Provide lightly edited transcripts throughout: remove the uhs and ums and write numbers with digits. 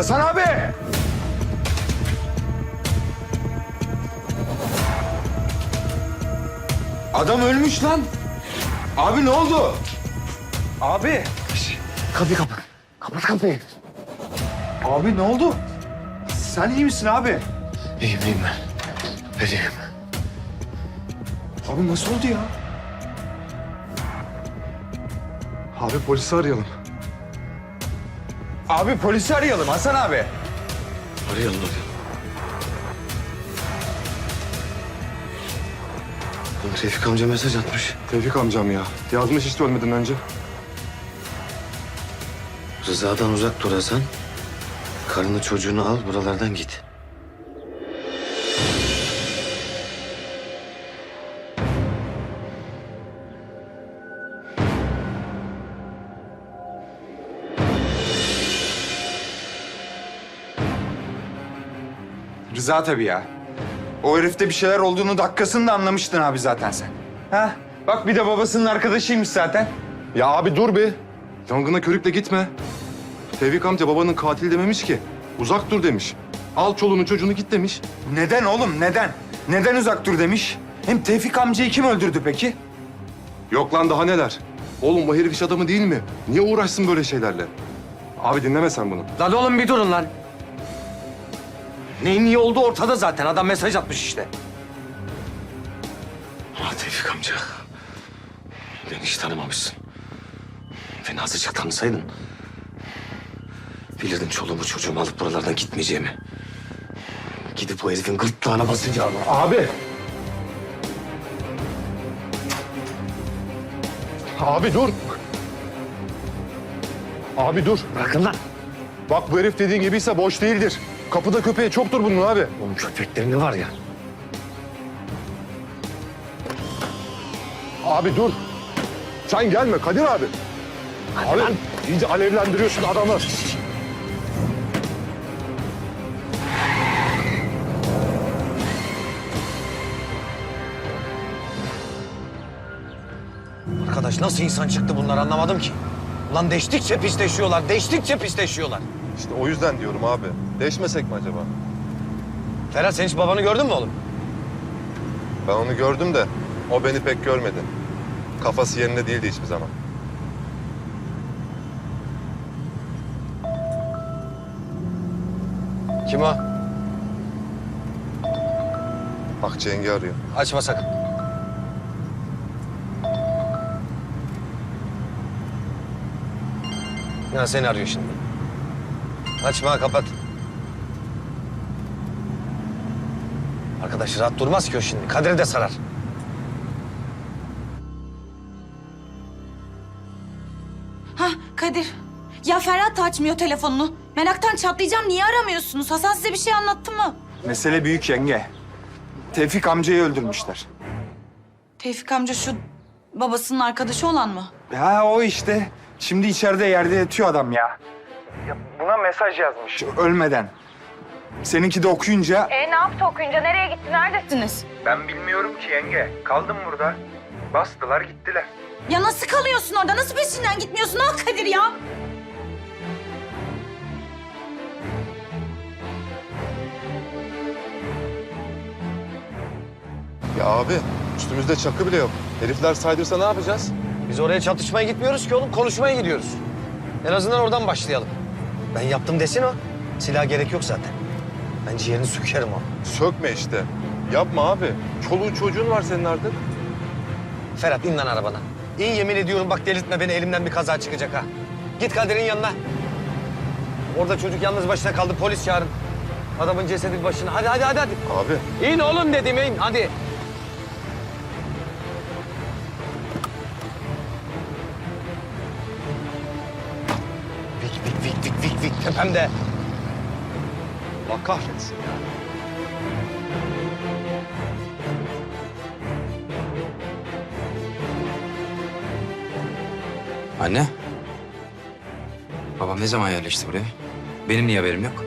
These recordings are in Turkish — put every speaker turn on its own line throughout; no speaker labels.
Hasan abi! Adam ölmüş lan. Abi ne oldu? Abi.
Kapıyı kapat. Kapat kapıyı.
Abi ne oldu? Sen iyi misin abi?
İyiyim ben. İyiyim.
Abi nasıl oldu ya?
Abi polisi arayalım.
Abi polisi arayalım Hasan abi.
Arayalım. Refik amca mesaj atmış.
Tevfik amcam ya. Yazmış işte ölmeden önce.
Rıza'dan uzak dur Hasan. Karını çocuğunu al buralardan git.
Rıza tabii ya. O herifte bir şeyler olduğunu dakikasında anlamıştın abi zaten sen. Ha? Bak bir de babasının arkadaşıymış zaten.
Ya abi dur bir. Yangına körükle gitme. Tevfik amca babanın katil dememiş ki. Uzak dur demiş. Al çoluğunu çocuğunu git demiş.
Neden oğlum neden? Neden uzak dur demiş? Hem Tevfik amcayı kim öldürdü peki?
Yok lan daha neler. Oğlum bu herif iş adamı değil mi? Niye uğraşsın böyle şeylerle? Abi dinleme sen bunu.
Lan oğlum bir durun lan. Neyin iyi olduğu ortada zaten. Adam mesaj atmış işte.
Ah Tevfik amca. Beni hiç tanımamışsın. Beni azıcık tanısaydın. Bilirdin çoluğumu çocuğumu alıp buralardan gitmeyeceğimi. Gidip o herifin gırtlağına basacağımı.
Abi. Abi dur. Abi dur.
Bırakın lan.
Bak bu herif dediğin gibiyse boş değildir. Kapıda köpeği çoktur bunun abi.
Oğlum köpeklerini var ya.
Abi dur. Sen gelme Kadir abi. Abi iyice alevlendiriyorsun adamı.
Arkadaş nasıl insan çıktı bunlar anlamadım ki. Lan deştikçe pisleşiyorlar. Deştikçe pisleşiyorlar.
İşte o yüzden diyorum abi. Değişmesek mi acaba?
Ferhat sen hiç babanı gördün mü oğlum?
Ben onu gördüm de o beni pek görmedi. Kafası yerinde değildi hiçbir zaman.
Kim o?
Bak Cengi arıyor.
Açma sakın. Ya seni arıyor şimdi. Açma kapat. Arkadaş rahat durmaz ki o şimdi. Kadir'i de sarar.
Hah Kadir. Ya Ferhat da açmıyor telefonunu. Meraktan çatlayacağım. Niye aramıyorsunuz? Hasan size bir şey anlattı mı?
Mesele büyük yenge. Tevfik amcayı öldürmüşler.
Tevfik amca şu babasının arkadaşı olan mı?
Ya o işte. Şimdi içeride yerde yatıyor adam ya. Ya buna mesaj yazmış ölmeden. Seninki de okuyunca...
Ne yaptı okuyunca? Nereye gitti? Neredesiniz?
Ben bilmiyorum ki yenge. Kaldım burada. Bastılar gittiler.
Ya nasıl kalıyorsun orada? Nasıl peşinden gitmiyorsun? Al Kadir ya.
Ya abi üstümüzde çakı bile yok. Herifler saydırsa ne yapacağız?
Biz oraya çatışmaya gitmiyoruz ki oğlum. Konuşmaya gidiyoruz. En azından oradan başlayalım. Ben yaptım desin o. Silah gerek yok zaten. Ben ciğerini sökerim o.
Sökme işte. Yapma abi. Çoluğun çocuğun var senin artık.
Ferhat in lan arabana. İn yemin ediyorum bak delirtme beni elimden bir kaza çıkacak ha. Git Kadir'in yanına. Orada çocuk yalnız başına kaldı polis çağırın. Adamın cesedi başına. Hadi hadi hadi hadi.
Abi.
İn oğlum dedim in hadi. Vik vik vik vik vik vik tepemde. Allah kahretsin ya.
Anne. Babam ne zaman yerleşti buraya? Benim niye haberim yok?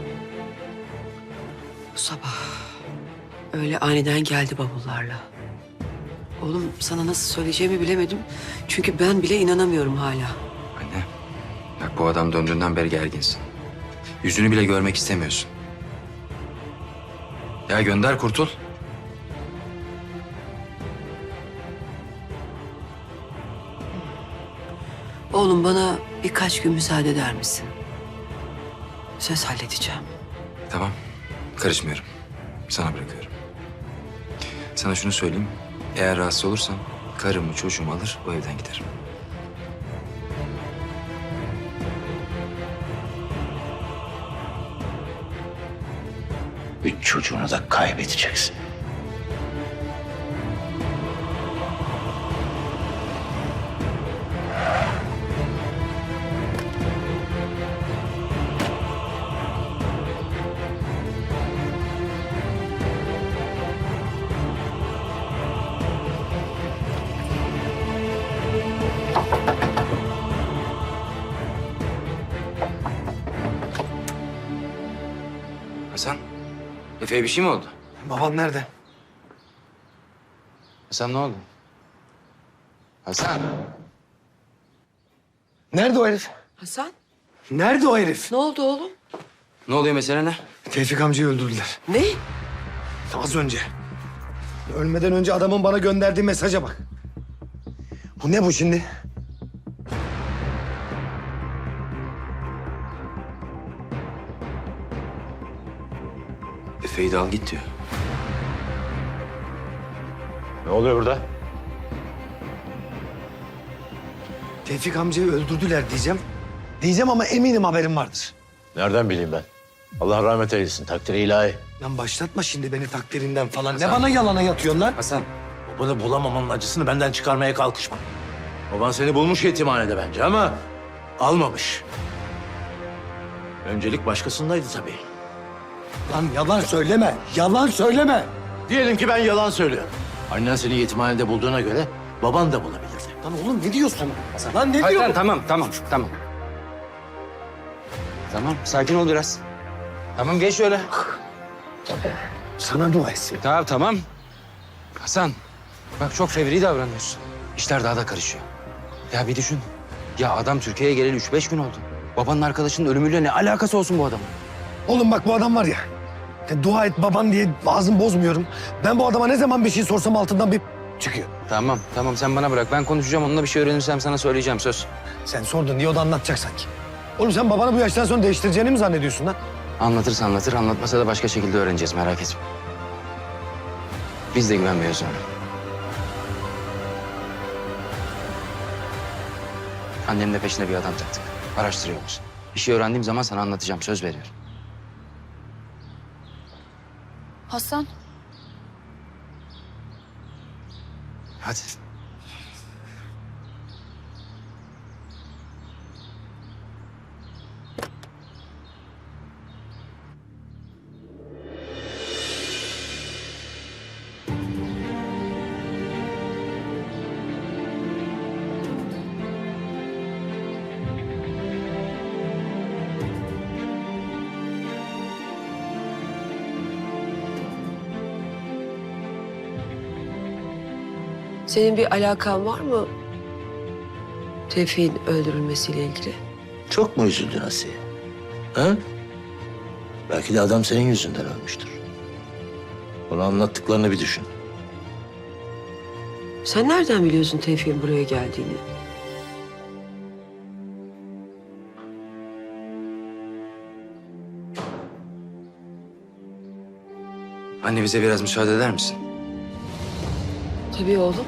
Bu sabah öyle aniden geldi bavullarla. Oğlum sana nasıl söyleyeceğimi bilemedim. Çünkü ben bile inanamıyorum hala.
Anne. Bak bu adam döndüğünden beri gerginsin. Yüzünü bile görmek istemiyorsun. Ya gönder kurtul.
Oğlum bana birkaç gün müsaade eder misin? Söz halledeceğim.
Tamam. Karışmıyorum. Sana bırakıyorum. Sana şunu söyleyeyim. Eğer rahatsız olursam karımı çocuğumu alır bu evden giderim.
Üç çocuğunu da kaybedeceksin.
Hasan, Efe'ye bir şey mi oldu?
Babam nerede?
Hasan ne oldu? Hasan.
Nerede o herif?
Hasan,
Nerede o herif?
ne oldu oğlum?
Ne oluyor mesele ne?
Tevfik amcayı öldürdüler.
Ne?
Az önce. Ölmeden önce adamın bana gönderdiği mesaja bak. Bu ne bu şimdi?
Efe'yi de al git diyor.
Ne oluyor burada?
Tevfik amcayı öldürdüler diyeceğim. Diyeceğim ama eminim haberim vardır.
Nereden bileyim ben? Allah rahmet eylesin. Takdiri ilahi.
Lan başlatma şimdi beni takdirinden falan. Ne bana yalana yatıyorsun lan?
Hasan.
Babanı bulamamanın acısını benden çıkarmaya kalkışma. Baban seni bulmuş yetimhanede bence ama almamış. Öncelik başkasındaydı tabii.
Lan yalan söyleme. Yalan söyleme.
Diyelim ki ben yalan söylüyorum. Annen seni yetimhanede bulduğuna göre baban da bulabilirdi.
Lan oğlum ne diyorsun? Lan ne
Hasan
diyorsun?
tamam. Tamam sakin ol biraz. Tamam geç şöyle.
Sana dua etsin.
Tamam. Hasan bak çok fevri davranıyorsun. İşler daha da karışıyor. Ya bir düşün. Ya adam Türkiye'ye geleli 3-5 gün oldu. Babanın arkadaşının ölümüyle ne alakası olsun bu adamın?
Oğlum bak bu adam var ya. Dua et baban diye ağzımı bozmuyorum. Ben bu adama ne zaman bir şey sorsam altından bir çıkıyor.
Tamam sen bana bırak. Ben konuşacağım onunla bir şey öğrenirsem sana söyleyeceğim söz.
Sen sordun diye o da anlatacak sanki. Oğlum sen babanı bu yaştan sonra değiştireceğini mi zannediyorsun lan?
Anlatırsa anlatır, anlatmasa da başka şekilde öğreneceğiz merak etme. Biz de güvenmiyoruz ona. Annenin de peşine bir adam taktık. Araştırıyoruz. Bir şey öğrendiğim zaman sana anlatacağım söz veriyorum.
Hasan.
Hadi.
Senin bir alakan var mı Tevfik'in öldürülmesiyle ilgili?
Çok mu üzüldün Asiye? Ha? Belki de adam senin yüzünden ölmüştür. Bana anlattıklarını bir düşün.
Sen nereden biliyorsun Tevfik'in buraya geldiğini?
Anne bize biraz müsaade eder misin?
Tabii oğlum.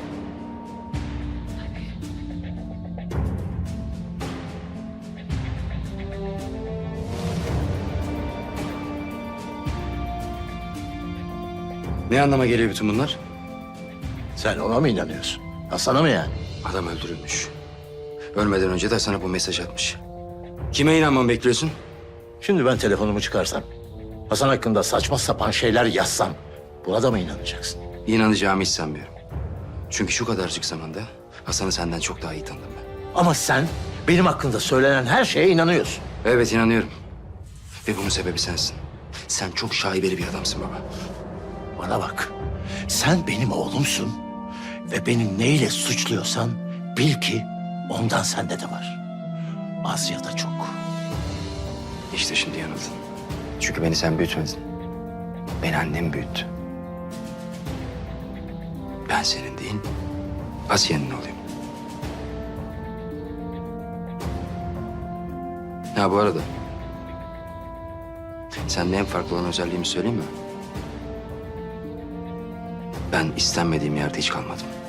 Ne anlama geliyor bütün bunlar?
Sen ona mı inanıyorsun? Hasan'a mı yani?
Adam öldürülmüş. Ölmeden önce de sana bu mesaj atmış. Kime inanmamı bekliyorsun?
Şimdi ben telefonumu çıkarsam, Hasan hakkında saçma sapan şeyler yazsam, buna da mı inanacaksın?
İnanacağımı hiç sanmıyorum. Çünkü şu kadarcık zamanda Hasan'ı senden çok daha iyi tanıdım ben.
Ama sen benim hakkında söylenen her şeye inanıyorsun.
Evet inanıyorum. Ve bunun sebebi sensin. Sen çok şaibeli bir adamsın baba.
Bana bak, sen benim oğlumsun ve beni neyle suçluyorsan bil ki ondan sende de var. Az ya da çok.
İşte şimdi yanıldın. Çünkü beni sen büyütmedin. Beni annem büyüttü. Ben senin değil, Asiye'nin olayım. Ha bu arada, seninle en farklı olan özelliğimi söyleyeyim mi? Ben istenmediğim yerde hiç kalmadım.